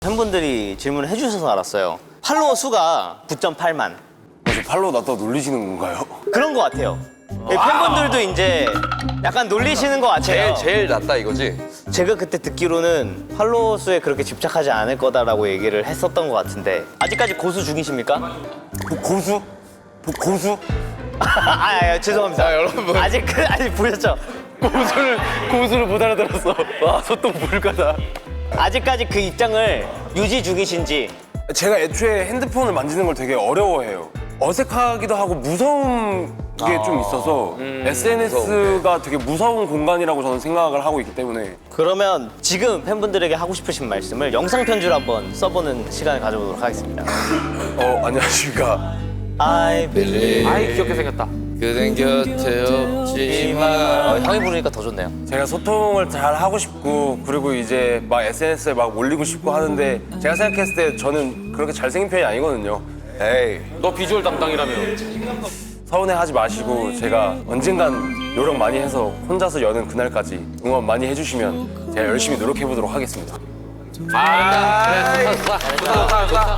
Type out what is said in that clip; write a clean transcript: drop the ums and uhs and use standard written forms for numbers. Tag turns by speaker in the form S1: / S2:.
S1: 팬분들이 질문을 해주셔서 알았어요. 팔로워 수가 9.8만.
S2: 저 팔로우 놨다 놀리시는 건가요?
S1: 그런 것 같아요. 팬분들도 이제 약간 놀리시는 것 같아요.
S3: 제일 낫다 이거지?
S1: 제가 그때 듣기로는 팔로워 수에 그렇게 집착하지 않을 거다라고 얘기를 했었던 것 같은데 아직까지 고수 중이십니까?
S2: 고수? 고수?
S1: 죄송합니다.
S3: 여러분.
S1: 아직 보셨죠?
S2: 고수를 못 알아들었어. 와, 소똥 불가다.
S1: 아직까지 그 입장을 유지 중이신지.
S2: 제가 애초에 핸드폰을 만지는 걸 되게 어려워해요. 어색하기도 하고 무서운 게 좀 있어서 SNS가 되게 무서운 공간이라고 저는 생각을 하고 있기 때문에
S1: 그러면 지금 팬분들에게 하고 싶으신 말씀을 영상 편지로 한번 써보는 시간을 가져보도록 하겠습니다.
S2: 안녕하십니까.
S1: I believe.
S4: 아이 귀엽게 생겼다.
S3: 그댄 곁에 없지만
S1: 형이 부르니까 더 좋네요.
S2: 제가 소통을 잘 하고 싶고 그리고 이제 막 SNS에 막 올리고 싶고 하는데 제가 생각했을 때 저는 그렇게 잘생긴 편이 아니거든요.
S3: 에이
S4: 너 비주얼 담당이라며.
S2: 서운해하지 마시고 제가 언젠간 노력 많이 해서 혼자서 여는 그날까지 응원 많이 해주시면 제가 열심히 노력해보도록 하겠습니다.
S4: 아, 그래, 좋다.